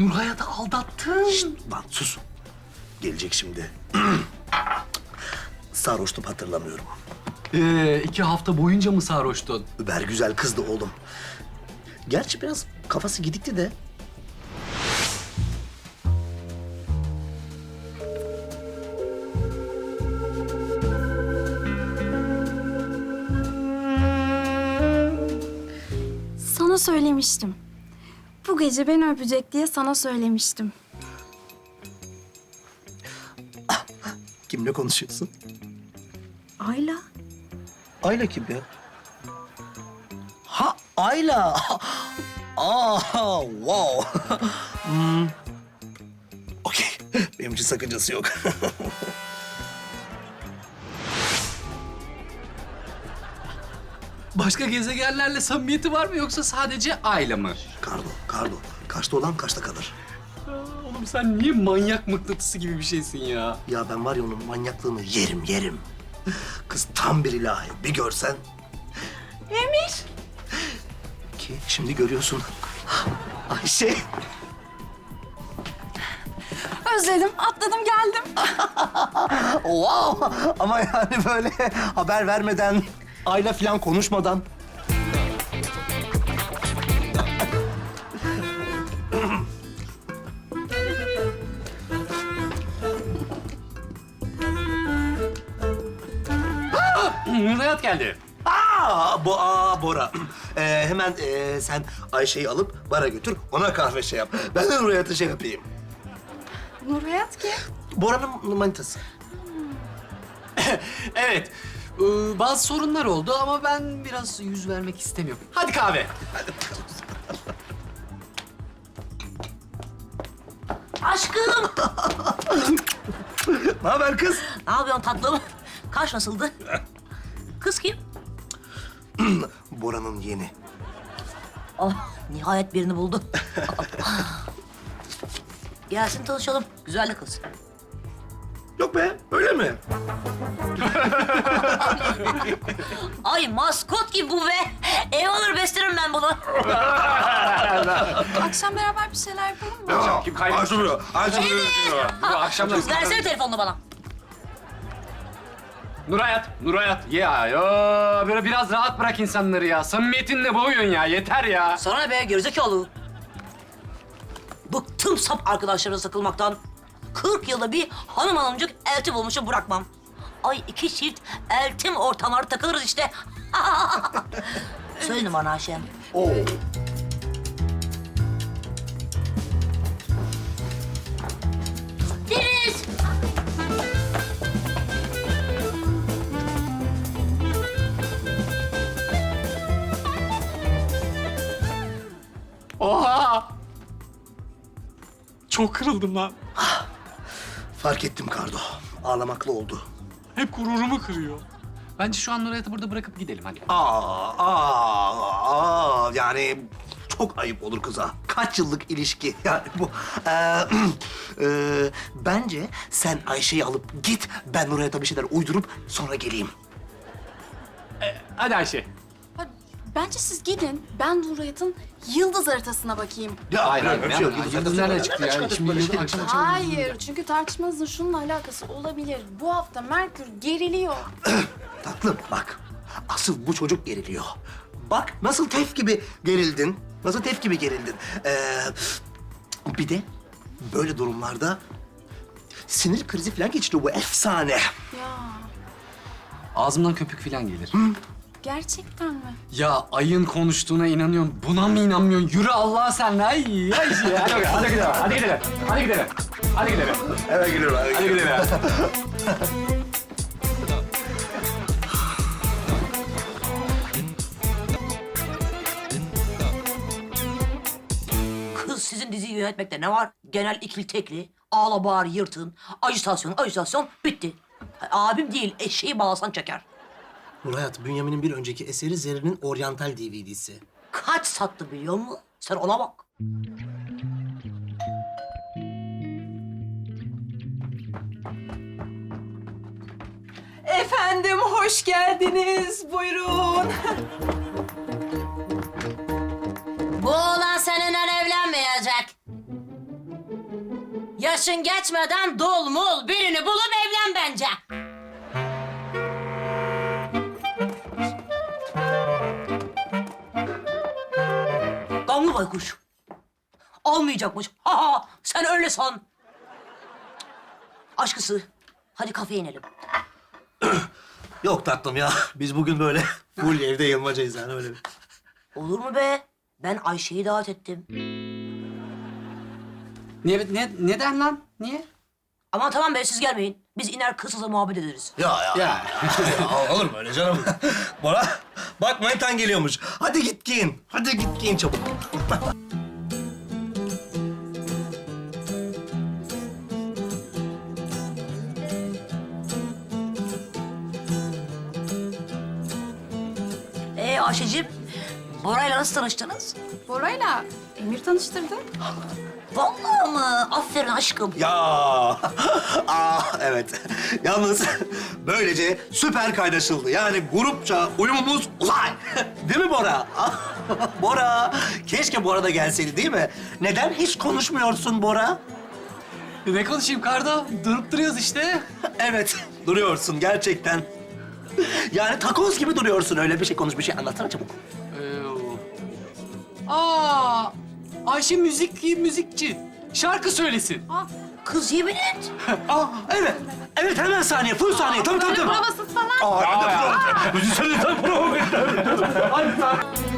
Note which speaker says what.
Speaker 1: Nurhayat'ı aldattın.
Speaker 2: Şşt, lan sus. Gelecek şimdi. Sarhoştum, hatırlamıyorum.
Speaker 1: 2 hafta boyunca mı sarhoştun?
Speaker 2: Über güzel kızdı oğlum. Gerçi biraz kafası gidikti de.
Speaker 3: Sana söylemiştim. Bu gece beni öpecek diye sana söylemiştim.
Speaker 2: Kimle konuşuyorsun?
Speaker 3: Ayla.
Speaker 2: Ayla kim ya? Ha, Ayla. Aa, wow. Okey, benim için sakıncası yok.
Speaker 1: Başka gezegenlerle samimiyeti var mı yoksa sadece Ayla mı?
Speaker 2: Kardo. Kaçta olan kaçta kalır.
Speaker 1: Oğlum sen niye manyak mıknatısı gibi bir şeysin ya?
Speaker 2: Ya ben var ya onun manyaklığını yerim. Kız tam bir ilahi, bir görsen.
Speaker 3: Emir.
Speaker 2: Ki şimdi görüyorsun. Ayşe.
Speaker 3: Özledim, atladım geldim.
Speaker 2: Wow! Ama yani böyle haber vermeden, Ayla falan konuşmadan.
Speaker 1: Nurhayat geldi.
Speaker 2: Bora. Hemen sen Ayşe'yi alıp bara götür, ona kahve şey yap. Ben de Nurhayat'a şey yapayım.
Speaker 3: Nurhayat kim?
Speaker 2: Bora'nın manitası.
Speaker 1: Evet. Bazı sorunlar oldu ama ben biraz yüz vermek istemiyorum. Hadi kahve.
Speaker 4: Aşkım,
Speaker 2: Ne haber kız?
Speaker 4: ne yapıyorsun tatlım? Kaş nasıldı? Kız kim?
Speaker 2: Bora'nın yeni.
Speaker 4: Oh, nihayet birini buldu. Gelsin tanışalım. Güzel de kız.
Speaker 2: Yok be, öyle mi?
Speaker 4: Ay maskot gibi bu be. Ev alır beslerim ben bunu.
Speaker 3: Akşam beraber bir şeyler yapalım mı?
Speaker 1: Kim kaybediyor? Bu akşamlar...
Speaker 4: Versene telefonunu bana.
Speaker 1: Nurhayat. Ya böyle biraz rahat bırak insanları ya. Samimiyetinle boğuyorsun ya. Yeter ya.
Speaker 4: Sana ne be gerizekalı? Bıktım sap arkadaşlarımla takılmaktan. 40 yılda bir hanımcık elti bulmuşum bırakmam. Ay 2 çift eltim ortamlarda takılırız işte. Söyle bana Ayşem.
Speaker 2: Oo.
Speaker 4: Deniz!
Speaker 1: Oha! Çok kırıldım lan.
Speaker 2: Fark ettim Kardo. Ağlamaklı oldu.
Speaker 1: Hep gururumu kırıyor. Bence şu an Nurhayat'ı burada bırakıp gidelim hadi.
Speaker 2: Yani çok ayıp olur kıza. Kaç yıllık ilişki yani bu. Bence sen Ayşe'yi alıp git. Ben Nurhayat'a bir şeyler uydurup sonra geleyim.
Speaker 1: Hadi Ayşe.
Speaker 3: Bence siz gidin. Ben Nurhayat'ın yıldız haritasına bakayım.
Speaker 2: Ya,
Speaker 1: Hayır,
Speaker 2: öyle bir şey yok.
Speaker 1: Yıldız nereden çıktı ya? Şimdi
Speaker 2: Böyle
Speaker 1: yıldız
Speaker 2: şey-
Speaker 1: akşam
Speaker 3: Hayır, çünkü tartışmanızın şununla alakası olabilir. Bu hafta Merkür geriliyor.
Speaker 2: Tatlım bak. Asıl bu çocuk geriliyor. Bak nasıl tef gibi gerildin. Bir de böyle durumlarda sinir krizi falan geçiriyor bu efsane.
Speaker 3: Ya,
Speaker 1: Ağzımdan köpük falan gelir.
Speaker 3: gerçekten mi?
Speaker 1: Ya ayın konuştuğuna inanıyorsun. Buna mı inanmıyorsun? Yürü Allah'a sen. Ay Ayşe. Hadi gidelim.
Speaker 2: Eve gidiyorum.
Speaker 1: Hadi gidelim.
Speaker 4: Kız sizin diziyi yönetmekte ne var? Genel ikili tekli, ağla bağır yırtın, ajitasyon bitti. Abim değil eşeği bağlasan çeker.
Speaker 2: Nurhayat, Bünyamin'in bir önceki eseri Zerrin'in Oryantal DVD'si.
Speaker 4: Kaç sattı biliyor musun? Sen ona bak.
Speaker 5: Efendim, hoş geldiniz. Buyurun.
Speaker 4: Bu oğlan seninle evlenmeyecek. Yaşın geçmeden dul mul birini bulup evlen bence. Gamlı baykuş. Olmayacakmış. Ha ha, sen öyle san. Aşkısı, hadi kafeye inelim.
Speaker 2: Yok tatlım ya. Biz bugün böyle full evde yılmacayız yani öyle bir.
Speaker 4: Olur mu be? Ben Ayşe'yi davet ettim.
Speaker 1: Neden lan? Niye?
Speaker 4: Aman tamam be, siz gelmeyin. Biz iner kızla muhabbet ederiz.
Speaker 2: Ya.
Speaker 1: Ya.
Speaker 2: Ya, olur mu öyle canım? Bora, bak manitan geliyormuş. Hadi git giyin. Hadi git giyin çabuk.
Speaker 4: Ayşe'cim, Bora'yla nasıl tanıştınız?
Speaker 3: Bora'yla Emir tanıştırdı.
Speaker 4: Vallahi mı? Aferin aşkım.
Speaker 2: Ya, evet. Yalnız böylece süper kaynaşıldı. Yani grupça uyumumuz uzay. Değil mi Bora? Bora, keşke Bora da gelseydi değil mi? Neden hiç konuşmuyorsun Bora?
Speaker 1: Ne konuşayım Kardo? Durup duruyoruz işte.
Speaker 2: Evet, duruyorsun gerçekten. Yani takoz gibi duruyorsun. Öyle bir şey konuş, bir şey anlatsana çabuk.
Speaker 1: Ayşe müzikçi. Şarkı söylesin.
Speaker 4: Kız yemin et.
Speaker 2: Evet. Evet, hemen saniye, full saniye. Tabii.
Speaker 3: Provasız falan.
Speaker 2: Ben de prova. Müzisyenin prova.